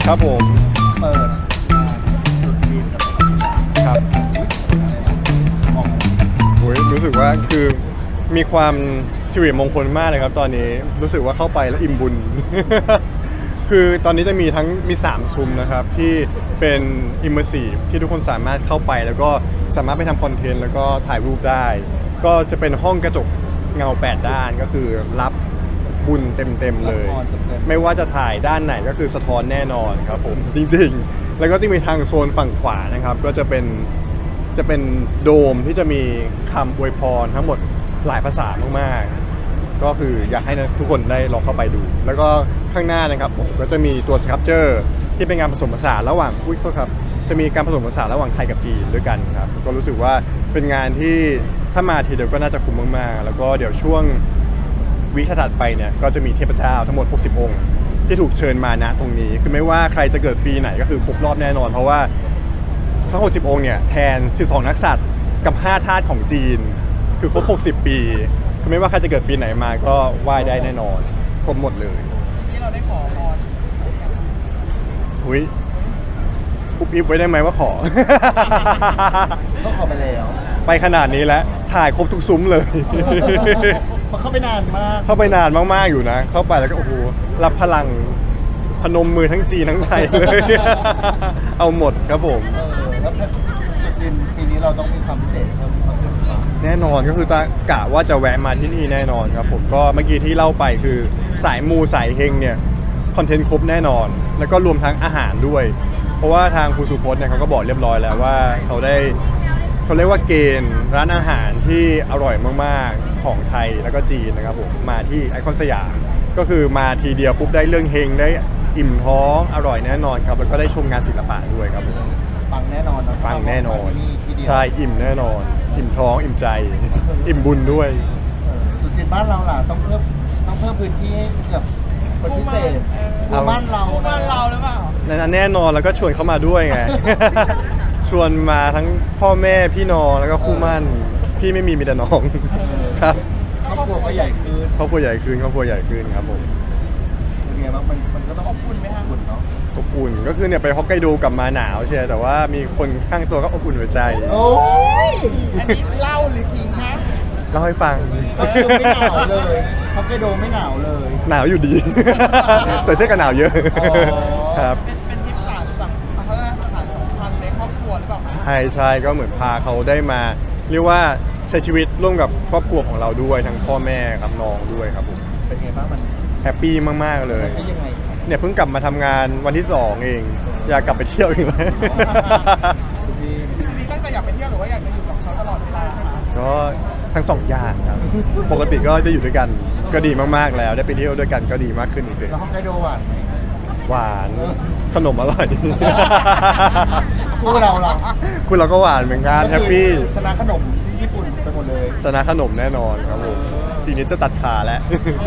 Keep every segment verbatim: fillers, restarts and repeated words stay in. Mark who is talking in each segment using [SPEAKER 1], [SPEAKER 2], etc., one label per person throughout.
[SPEAKER 1] ครับผม
[SPEAKER 2] เปิดจุดจีนกับ
[SPEAKER 1] ครับ
[SPEAKER 2] มอง
[SPEAKER 1] โอ้ยรู้สึกว่าคือมีความสิริมงคลมากเลยครับตอนนี้รู้สึกว่าเข้าไปแล้วอิ่มบุญ คือตอนนี้จะมีทั้งมีสามซุ้มนะครับที่เป็น immersive ที่ทุกคนสามารถเข้าไปแล้วก็สามารถไปทำคอนเทนต์แล้วก็ถ่ายรูปได้ ก็จะเป็นห้องกระจกเงาแปดด้านก็คือรับบุญเต็มๆเลย ไม่ว่าจะถ่ายด้านไหนก็คือสะท้อนแน่นอนครับผม จริงๆ แล้วก็ที่มีทางโซนฝั่งขวานะครับก็จะเป็นจะเป็นโดมที่จะมีคำอวยพรทั้งหมดหลายภาษามากๆก็คืออยากให้ทุกคนได้ลองเข้าไปดู แล้วก็ข้างหน้านะครับผมก็จะมีตัวสครับเจอร์ที่เป็นงานผสมผสานระหว่างอุ้ยโทษครับจะมีการผสมผสานระหว่างไทยกับจีนด้วยกันครับก็รู้สึกว่าเป็นงานที่ถ้ามาทีเดียวก็น่าจะคุ้มมากๆแล้วก็เดี๋ยวช่วงวิคถัดไปเนี่ยก็จะมีเทพเจ้าทั้งหมดหกสิบองค์ที่ถูกเชิญมาณตรงนี้คือไม่ว่าใครจะเกิดปีไหนก็คือครบรอบแน่นอนเพราะว่าทั้งหกสิบองค์เนี่ยแทนสิบสองนักษัตริย์กับห้าธาตุของจีนคือครบหกสิบปีคือไม่ว่าใครจะเกิดปีไหนมาก็ไหว้ได้แน่นอนครบหมดเลย
[SPEAKER 3] ที่เราได้ขอพร
[SPEAKER 1] อุ้ยอุบอิบไว้ได้ไหมว่าขอ
[SPEAKER 2] ต้องขอไปแล้ว
[SPEAKER 1] ไปขนาดนี้แล้วถ่ายครบทุกซุ้มเลย
[SPEAKER 2] เพราะเข้าไปนานมาก
[SPEAKER 1] เข้าไปนานมากๆอยู่นะเข้าไปแล้วก็โอ้โหรับพลังพนมมือทั้งจีนทั้งไทยเลย เอาหมดครับผม
[SPEAKER 2] เออแล้วจุดจีนปีนี้เราต้องมีความพิเศษเพิ่มเติมหรือเปล่า
[SPEAKER 1] แน่นอนก็คือตากะว่าจะแวะมาที่นี่แน่นอนครับผมก็เมื่อกี้ที่เล่าไปคือสายมูสายเฮงเนี่ยคอนเทนต์ครบแน่นอน แล้วก็รวมทั้งอาหารด้วย เพราะว่าทางครูสุพจน์เนี่ยเขาก็บอกเรียบร้อยแล้วว่าเขาได้เขาเรียกว่าเกณฑ์ร้านอาหารที่อร่อยมากๆของไทยแล้วก็จีนนะครับผมมาที่ไอคอนสยามก็คือมาทีเดียวปุ๊บได้เรื่องเฮงได้อิ่มท้องอร่อยแน่นอนครับแล้วก็ได้ชมงานศิลปะด้วยครับผม
[SPEAKER 2] ปังแน่นอนนะ
[SPEAKER 1] ปังแน่นอน
[SPEAKER 2] ที่เดียว
[SPEAKER 1] ใช่อิ่มแน่นอน อิ่มท้องอิ่มใจ อิ่มบุญด้วย
[SPEAKER 2] เออจุดจีนบ้านเราล่ะต้องเพิ่มต้องเพิ่มพื้นที่ให้กับคนพิเศษ
[SPEAKER 1] เอา
[SPEAKER 2] คู่บ้านเรา
[SPEAKER 3] คู่บ้านเราหรือเปล่า
[SPEAKER 1] นั้นแน่นอนแล้วก็ชวนเขามาด้วยไง ชวนมาทั้งพ่อแม่พี่น้องแล้วก็คู่หมั่นพี่ไม่มีมีแต่น้อง ครับ
[SPEAKER 2] ครอบครัวก็ใหญ่ขึ้น
[SPEAKER 1] ครอบครัวใหญ่ขึ้นครอบครัวใหญ่ขึ้นครับผม
[SPEAKER 2] เป็นไงบ้างมันมันก็ต้อง
[SPEAKER 3] อบอุ่นไหมคะ
[SPEAKER 2] อบอุ่นเนาะ
[SPEAKER 1] อบอุ่นก็คือเนี่ยไปฮอกไกโดกลับมาหนาวใช่แต่ว่ามีคนข้างตัวก็อบอุ่นหัวใจ
[SPEAKER 2] โอ้ย
[SPEAKER 3] อันนี้เล่าหรือทิ้งนะ
[SPEAKER 1] เล่าให้ฟัง
[SPEAKER 2] ก็คือไม่หนาวเลยฮอกไกโดไม่หนาวเลย
[SPEAKER 1] หนาวอยู่ดี ใส่เสื้อกันหนาวเยอะ
[SPEAKER 2] อ๋อ
[SPEAKER 1] ครับ
[SPEAKER 3] เป็นเป็นทริปสารสัมเขาเรียกว่าสารสัมพันธ์ในครอบครัวหรือเปล่าคะ
[SPEAKER 1] ใช่ใช่ก็เหมือนพาเขาได้มาเรียกว่าใช้ชีวิตร่วมกับครอบครัวของเราด้วยทั้งพ่อแม่ครับน้องด้วยครับผม
[SPEAKER 2] เป็นไงบ้างมัน
[SPEAKER 1] แฮปปี้มากๆเลย
[SPEAKER 2] มันยังไง
[SPEAKER 1] เนี่ยเพิ่งกลับมาทำงานวันที่สองเอง อยากกลับไปเที่ยวอีกแล้ว
[SPEAKER 2] จีน
[SPEAKER 3] นี่ตั้งใจอยากไปเที่ยวหรือว่าอยากจะอยู่กับเขาตลอดเวลาคะ
[SPEAKER 1] ก็ทั้งสองอย่างครับ ปกติก็ได้อยู่ด้วยกันก็ดีมากๆแล้วได้ไปเที่ยวด้วยกันก็ดีมากขึ้นอีกเลย
[SPEAKER 2] แล้วฮอกไกโดหวานไหม
[SPEAKER 1] หวานขนมอร่อย
[SPEAKER 2] คู่เราเรา
[SPEAKER 1] คุณเราก็หวานเหมือนกันแฮปปี้
[SPEAKER 2] ชนะขนมที่ญี่ปุ่นไปหมดเลย
[SPEAKER 1] ชนะขนมแน่นอนครับผมปีนี้จะตัดขาแล้ว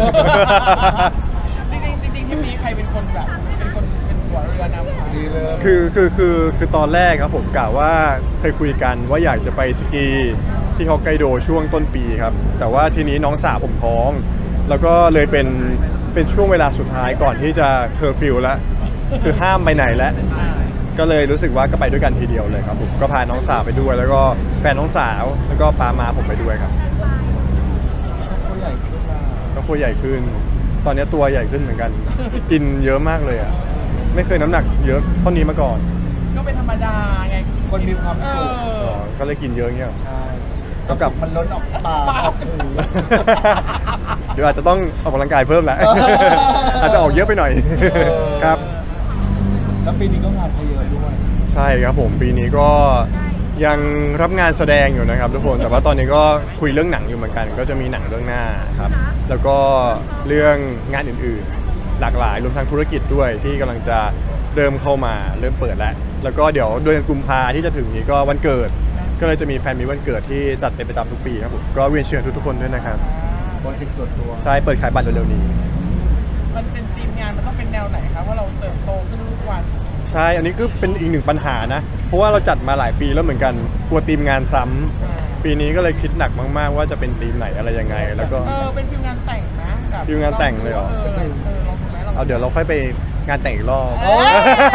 [SPEAKER 3] จริงๆจริงๆที่มีใครเป็นคนแบบเป็นคนเป็นหัวเรือนำคะ
[SPEAKER 2] ดีเลย
[SPEAKER 1] คือคือคือคือตอนแรกครับผมกะว่าเคยคุยกันว่าอยากจะไปสกีที่ฮอกไกโดช่วงต้นปีครับแต่ว่าทีนี้น้องสาวผมท้อง แล้วก็เลยเป็นเป็นช่วงเวลาสุดท้ายก่อนที่จะเคอร์ฟิวแล้วคือห้ามไปไหนแล้ว
[SPEAKER 3] อ่า
[SPEAKER 1] ก็เลยรู้สึกว่าก็ไปด้วยกันทีเดียวเลยครับผมก็พาน้องสาวไปด้วย แล้วก็แฟนน้องสาวแล้วก็ปามาผมไปด้วยครับ
[SPEAKER 2] คู่ใหญ่ขึ้นมา
[SPEAKER 1] ก็ตัวใหญ่ขึ้น ตอนนี้ตัวใหญ่ขึ้นเหมือนกัน กินเยอะมากเลยอ่ะไม่เคยน้ำหนักเยอะเท่านี้มาก่อน
[SPEAKER 3] ก็เป็นธรรมดาไง
[SPEAKER 2] คนมีความ
[SPEAKER 3] เอ
[SPEAKER 2] สุข
[SPEAKER 3] อ
[SPEAKER 1] อ๋อก็เลยกินเยอะเงี้ย
[SPEAKER 2] ใช่
[SPEAKER 1] ก็กลับ
[SPEAKER 2] มันล้นออกปากออกหู
[SPEAKER 1] เดี๋ยวอาจจะต้องออกกำลังกายเพิ่มแหละ
[SPEAKER 2] เออ
[SPEAKER 1] อาจจะออกเยอะไปหน่อย ครับ
[SPEAKER 2] แล้วปีนี้ก็งานเขาเยอะด้วย
[SPEAKER 1] ใช่ครับผมปีนี้ก็ยังรับงานแสดงอยู่นะครับทุกคนแต่ว่าตอนนี้ก็คุยเรื่องหนังอยู่เหมือนกัน ก็จะมีหนังเรื่องหน้าครับแล้วก็เรื่องงานอื่นๆ หลากหลายรวมทั้งธุรกิจด้วยที่กำลังจะเริ่มเข้ามาเริ่มเปิดแล้วแล้วก็เดี๋ยวเดือนกุมภาที่จะถึงนี้ก็วันเกิด ก็เลยจะมีแฟนมีวันเกิดที่จัดเป็นประจำทุกปีครับผมก็เรียนเชิญทุกๆคนด้วยนะครับ
[SPEAKER 2] โปรเจกต์ส่วนตัว
[SPEAKER 1] ใช่เปิดขายบัตรเร็วๆนี้
[SPEAKER 3] มันเป็นธีมงานมันต้องเป็นแนวไหนครับว่าเราเติบโตขึ้นทุกวัน
[SPEAKER 1] ใช่อันนี้ก็เป็นอีกหนึ่งปัญหานะเพราะว่าเราจัดมาหลายปีแล้วเหมือนกันกลัวทีมงานซ้ำปีนี้ก็เลยคิดหนักมากๆว่าจะเป็นทีมไหนอะไรยังไง แล้วก็
[SPEAKER 3] เออเป็นฟิลงานแต่งนะแบบ
[SPEAKER 1] ฟิลงานแต่งเลยเหรอ
[SPEAKER 3] เออเออลองดูไหมลองดู
[SPEAKER 1] เอาเดี๋ยวเราค่อยไปงานแต่งอีกรอบ
[SPEAKER 3] เออ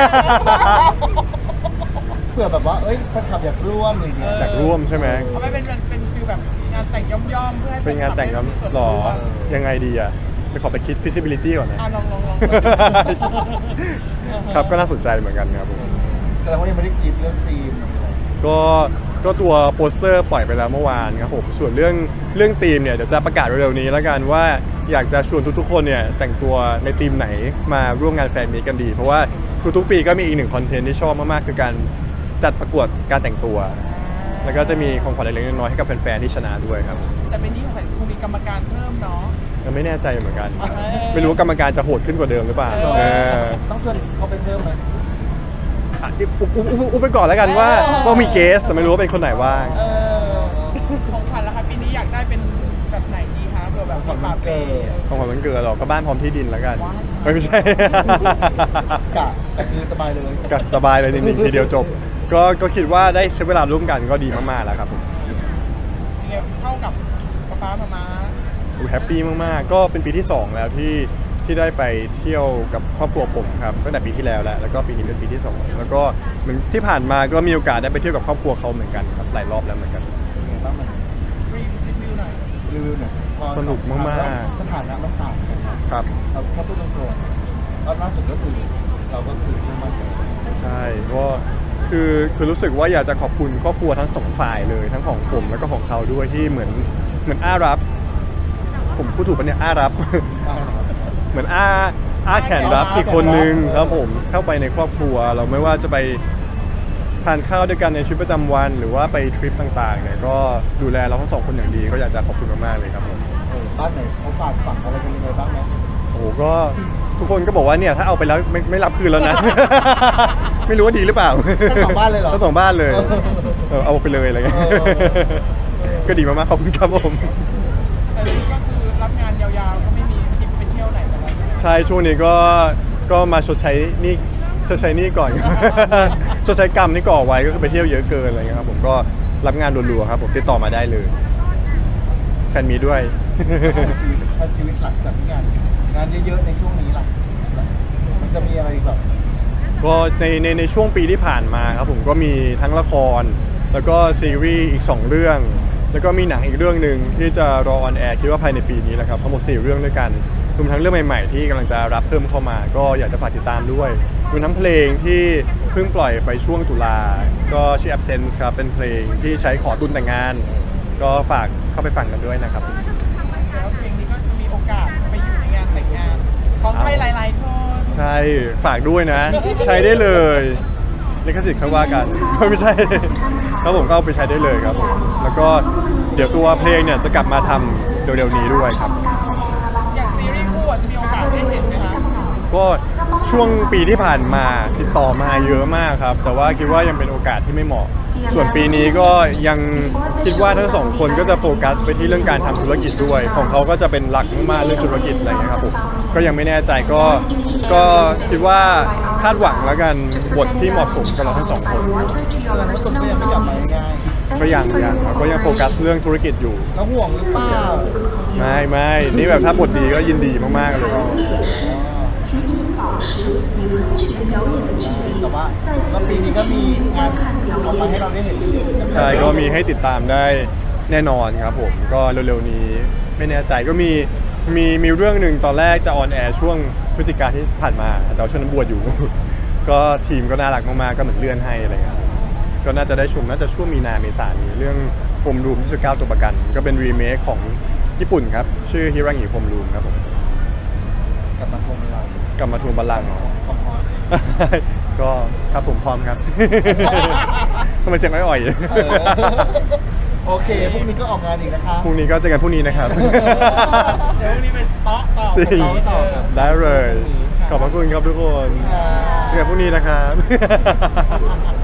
[SPEAKER 2] เผื่อแบบว่าเอ้ยแฟนคลับอยากร่วมอะไรอย่างเงี้ย
[SPEAKER 1] อยากร่วมใช่ไหม
[SPEAKER 3] เอาไปเป็นเป็นฟิลแบบงานแต่งย่อมๆเพื่อให้
[SPEAKER 1] เป็นงานแต่ง
[SPEAKER 3] แฟ
[SPEAKER 1] แล้ว
[SPEAKER 3] คลับได้มีส่วน
[SPEAKER 1] หรอ
[SPEAKER 3] ร่วม
[SPEAKER 1] ยังไงดีอ่ะไปขอไปคิด feasibility ก่อนนะ
[SPEAKER 3] อ่ะลองลองลอง
[SPEAKER 1] ครับก็น่าสนใจเหมือนกันครับผม
[SPEAKER 2] แต่เรายังไม่ได้คิดเรื่องธีม
[SPEAKER 1] ก็ก็ตัวโปสเตอร์ปล่อยไปแล้วเมื่อวานครับผมส่วนเรื่องเรื่องธีมเนี่ยเดี๋ยวจะประกาศเร็วๆนี้แล้วกันว่าอยากจะชวนทุกๆคนเนี่ยแต่งตัวในธีมไหนมาร่วมงานแฟนมีตกันดี เพราะว่าทุกๆปีก็มีอีกหนึ่งคอนเทนต์ที่ชอบมากๆคือการจัดประกวดการแต่งตัว แล้วก็จะมีของขวัญเล็กๆน้อยๆให้กับแฟนๆที่ชนะด้วยครับ
[SPEAKER 3] แต่เป็นนี้ของใส่คงมีกรรมการเพิ่มเนาะ
[SPEAKER 1] ยังไม่แน่ใจเหมือนกัน
[SPEAKER 3] เออ
[SPEAKER 1] ไม่รู้ว่ากรรมการจะโหดขึ้นกว่าเดิมหรือเปล่า
[SPEAKER 3] เออ
[SPEAKER 1] เออ
[SPEAKER 2] ต้องชวนเขาไปเพิ่มไหม
[SPEAKER 1] อ่ะอุ๊บอุ๊บอุ๊บอุ๊บไปก่อนแล้วกันว่าว่ามีเกสแต่ไม่รู้ว่าเป็นคนไหนบ้าง
[SPEAKER 3] เออของขวัญละคะปีนี้อยากได้เป็นแบบไหนดีคะเผื่อแบบมีปาเป้
[SPEAKER 1] ของขวัญวันเกิดหรอกก็บ้านพร้อมที่ดินแล้วกัน
[SPEAKER 3] ว้าว
[SPEAKER 1] เอ้ยไม่ใช่
[SPEAKER 2] กะคือสบายเลย
[SPEAKER 1] ก็สบายเลยจริงๆทีเดียวจบ ก็ก็คิดว่าได้ใช้เวลาร่วมกันก็ดีมากๆแล้วครับผม
[SPEAKER 3] เนี่ยเข้ากับป๊าป๊ามามา
[SPEAKER 1] แฮปปี้มากๆ ก็เป็นปีที่สองแล้วที่ที่ได้ไปเที่ยวกับครอบครัวผมครับตั้งแต่ปีที่แล้วแหละแล้วก็ปีนี้เป็นปีที่สองแล้วก็เหมือนที่ผ่านมาก็มีโอกาสได้ไปเที่ยวกับครอบครัวเขาเหมือนกันครับหลายรอบแล้วเหมือนกัน
[SPEAKER 2] เป็นไงบ้างมัน
[SPEAKER 3] รีวิวหน่อย
[SPEAKER 2] รีวิวหน่อยพอ
[SPEAKER 1] สนุกมากๆ
[SPEAKER 2] สถานะมันต่างกันนะครับ เราถ้าพูดตรงๆตอนล่าสุดก็คือเราก็คือเพิ่งมาเจอ
[SPEAKER 1] ใช่ก็คือคือรู้สึกว่าอยากจะขอบคุณครอบครัวทั้งสองฝ่ายเลยทั้งของผมแล้วก็ของเขาด้วยที่เหมือนเหมือนอ้ารับ ผมพูดถูกปะเนี่ยอ้ารับ เหมือนอ้าอ้าแขนรับอีกคนนึงครับผมเข้าไปในครอบครัว เราไม่ว่าจะไปทานข้าวด้วยกันในชีวิตประจำวัน หรือว่าไปทริปต่างๆเนี่ยก็ดูแลเราทั้งสองคนอย่างดีก็อยากจะขอบคุณมากๆเลยครับผม
[SPEAKER 2] เออบ้านไหนเขาฝากฝังอะไรกันยังไงบ้างไหม
[SPEAKER 1] โอ้โหก็ทุกคนก็บอกว่าเนี่ยถ้าเอาไปแล้วไม่ไม่รับคืนแล้วนะ ไม่รู้ว่าดีหรือเปล่า
[SPEAKER 2] ทั้งสองบ้านเลยเหรอ
[SPEAKER 1] ทั้งสองบ้านเลยเออเอาไปเลยอะไรเงี้ย
[SPEAKER 2] เออเออ
[SPEAKER 1] ก็ดีมากๆขอบคุณครับผม
[SPEAKER 3] แต่นี่ก็คือรับงานยาวๆก็ไม่มีทริปไปเที่ยวไหนแล้วใช่ไหม
[SPEAKER 1] ใช่ช่วงนี้ก็ก็มาชดใช้หนี่ชดใช้หนี่ก่อน ชดใช้กรรมที่ก่อไว้ก็คือไปเที่ยวเยอะเกินอะไรเงี้ยครับผมก็รับงานรัวๆครับผมติดต่อมาได้เลยแฟนมีด้วย
[SPEAKER 2] ชีวิตถ้าชีวิตหลังจากที่งาน งานเยอะๆในช่วงนี้ล่ะมันจะมีอะไรแบบ
[SPEAKER 1] ก็ในในในช่วงปีที่ผ่านมาครับผมก็มีทั้งละคร แล้วก็ซีรีส์อีกสองเรื่อง แล้วก็มีหนังอีกเรื่องหนึ่งที่จะรอออนแอร์คิดว่าภายในปีนี้แหละครับทั้งหมดสี่เรื่องด้วยกันรวมทั้งเรื่องใหม่ๆที่กำลังจะรับเพิ่มเข้ามา ก็อยากจะฝากติดตามด้วยรวมทั้งเพลงที่เพิ่งปล่อยไปช่วงตุลาก็ชื่อ Absence ครับเป็นเพลงที่ใช้ขอตุนแต่งงาน ก็ฝากเข้าไปฟังกันด้วยนะครับ
[SPEAKER 3] แล้วเพลงนี้ก็จะมีโอกาสไปอยู่ในงานแต่งงานของใครหลายๆคน
[SPEAKER 1] ใช่ฝากด้วยนะ ใช้ได้เลยลิขสิทธิ์เขาว่ากัน ไม่ใช่ครับผมก็เอาไปใช้ได้เลยครับผมแล้วก็เดี๋ยวตัวเพลงเนี่ยจะกลับมาทำเร็วๆนี้ด้วยครับ
[SPEAKER 3] อย่างซีรีส์คู่อะจะมีโอกาสได้เห็นไหมคะ
[SPEAKER 1] ก็ช่วงปีที่ผ่านมาติดต่อมาเยอะมากครับ แต่ว่าคิดว่ายังเป็นโอกาสที่ไม่เหมาะ ส่วนปีนี้ก็ยังคิดว่าทั้งสองคนก็จะโฟกัสไปที่เรื่องการทำธุรกิจด้วย ของเขาก็จะเป็นหลักมากๆเรื่องธุรกิจอะไรเงี้ยครับผมก็ยังไม่แน่ใจก็ก็คิดว่าคาดหวังแล้วกันบทที่เหมาะสมกับเราทั้งสองคน
[SPEAKER 2] แต่รู้สึกก็ยังไม่กลับมาง่าย
[SPEAKER 1] ก็ยังยังครับก็ยังโฟกัสเรื่องธุรกิจอยู่
[SPEAKER 2] ๆแล้วห่วงหรือเปล่า
[SPEAKER 1] ไม่ไม่นี่แบบถ้าบทดีก็ยินดีมากๆเลย
[SPEAKER 4] 请您保持与喷泉表演的距离
[SPEAKER 2] แต่ว่า
[SPEAKER 4] 在
[SPEAKER 2] แล้ว
[SPEAKER 4] 此
[SPEAKER 2] ปีนี้ก็มี
[SPEAKER 4] 观
[SPEAKER 2] งาน
[SPEAKER 4] 看
[SPEAKER 2] ออกมาให้
[SPEAKER 4] 表
[SPEAKER 2] เราได้เห็น
[SPEAKER 4] 演。
[SPEAKER 1] ใช่ก็มีให้ติดตามได้แน่นอนครับผมก็เร็วๆนี้ไม่แน่ใจก็มีมีมีเรื่องหนึ่งตอนแรกจะออนแอร์ช่วงพฤศจิกาที่ผ่านมาแต่ว่าช่วงนั้นบวชอยู่ ก็ทีมก็น่ารักมากๆก็เหมือนเลื่อนให้อะไรเงี้ยครับก็น่าจะได้ชมน่าจะช่วงมีนาเมษายนนี้เรื่องพรมรูมที่สิบเก้าตัวประกัน ก็เป็นรีเมคของญี่ปุ่นครับชื่อฮิรังิพรมรูมครับผม
[SPEAKER 2] กลับมาทวงเรา
[SPEAKER 1] กลับมาทวงบัลลังก์
[SPEAKER 2] พร้อม
[SPEAKER 1] ก็ครับผมพร้อมครับ ทำไมเสียงอ่อย
[SPEAKER 2] ๆเออโอเคพรุ่งนี้ก็ออกงานอีกนะคะ
[SPEAKER 1] ๆพรุ่งนี้ก็เจอกันพรุ่งนี้นะครับ
[SPEAKER 3] เดี๋ยววันนี้เป็นเตาะต่อ
[SPEAKER 1] จริง
[SPEAKER 3] เตาะต่อครับ
[SPEAKER 1] ได้เลย ขอบพระคุณครับทุกคน
[SPEAKER 2] ค่ะ
[SPEAKER 1] เจอกันพรุ่งนี้นะครับ